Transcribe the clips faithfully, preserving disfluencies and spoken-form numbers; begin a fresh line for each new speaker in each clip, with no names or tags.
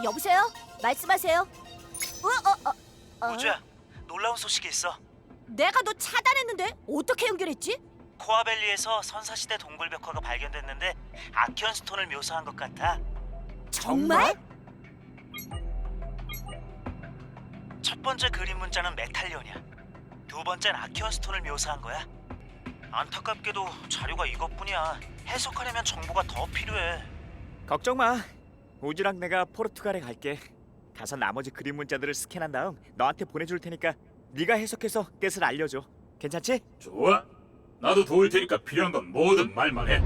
여보세요? 말씀하세요. 어, 어, 어, 어.
우주야, 놀라운 소식이 있어.
내가 너 차단했는데 어떻게 연결했지?
코아밸리에서 선사시대 동굴벽화가 발견됐는데 아키언 스톤을 묘사한 것 같아.
정말?
첫 번째 그림 문자는 메탈리온이야. 두 번째는 아키언 스톤을 묘사한 거야. 안타깝게도 자료가 이것뿐이야. 해석하려면 정보가 더 필요해.
걱정 마. 우주랑 내가 포르투갈에 갈게. 가서 나머지 그림 문자들을 스캔한 다음 너한테 보내줄 테니까 네가 해석해서 뜻을 알려줘. 괜찮지?
좋아. 나도 도울 테니까 필요한 건 뭐든 말만 해.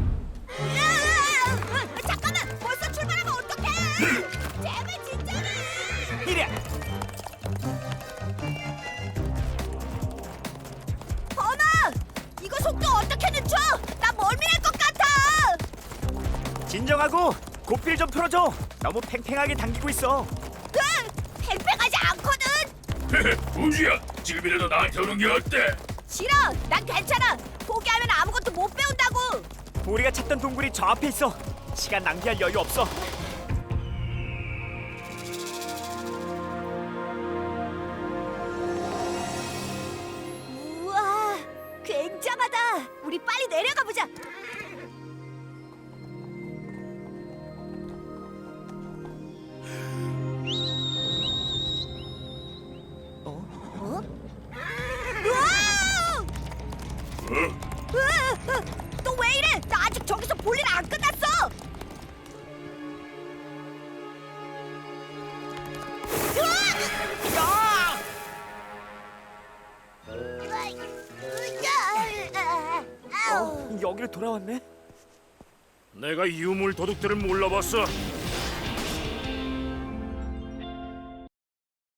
으아! 잠깐만! 벌써 출발하면 어떡해! 제발 진짜로!
이래.
범아! 이거 속도 어떻게 늦춰? 나 멀미날 것 같아!
진정하고 고필 좀 풀어줘. 너무 팽팽하게 당기고 있어.
으! 팽팽하지 않거든!
우주야, 지금이라도 나한테 오는 게 어때?
싫어! 난 괜찮아! 포기하면 아무것도 못 배운다고!
우리가 찾던 동굴이 저 앞에 있어. 시간 낭비할 여유 없어.
우와! 굉장하다! 우리 빨리 내려가 보자!
어?
어? 우와!
어?
너 왜 이래? 나 아직 저기서 볼 일 안 끝났어!
야! 어, 여기로 돌아왔네.
내가 유물 도둑들을 몰라봤어.